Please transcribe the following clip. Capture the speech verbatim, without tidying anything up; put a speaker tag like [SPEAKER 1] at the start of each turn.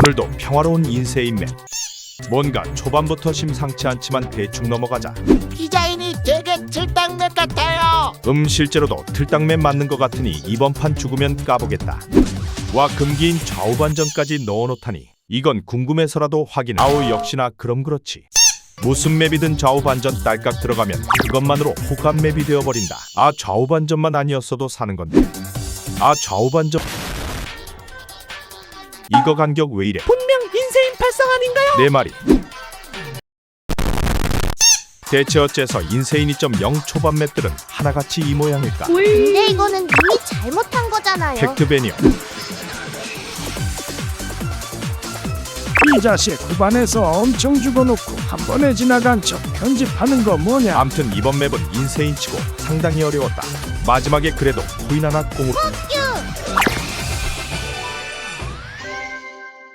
[SPEAKER 1] 오늘도 평화로운 인세인 맵. 뭔가 초반부터 심상치 않지만 대충 넘어가자.
[SPEAKER 2] 디자인이 되게 틀딱맵 같아요.
[SPEAKER 1] 음 실제로도 틀딱맨 맞는 것 같으니 이번 판 죽으면 까보겠다. 와 금기인 좌우반전까지 넣어놓다니 이건 궁금해서라도 확인. 아우 역시나 그럼 그렇지. 무슨 맵이든 좌우반전 딸깍 들어가면 그것만으로 호감 맵이 되어버린다. 아 좌우반전만 아니었어도 사는 건데. 아 좌우반전 이거 간격 왜 이래?
[SPEAKER 2] 분명 인세인 팔상 아닌가요?
[SPEAKER 1] 내 말이. 대체 어째서 인세인 이 점 영 초반 맵들은 하나같이 이 모양일까?
[SPEAKER 3] 근데 이거는 님이 잘못한 거잖아요.
[SPEAKER 1] 팩트 배니어.
[SPEAKER 4] 이 자식 후반에서 엄청 죽어놓고 한 번에 지나간 척 편집하는 거 뭐냐.
[SPEAKER 1] 암튼 이번 맵은 인세인치고 상당히 어려웠다. 마지막에 그래도 코인 하나 꽁으로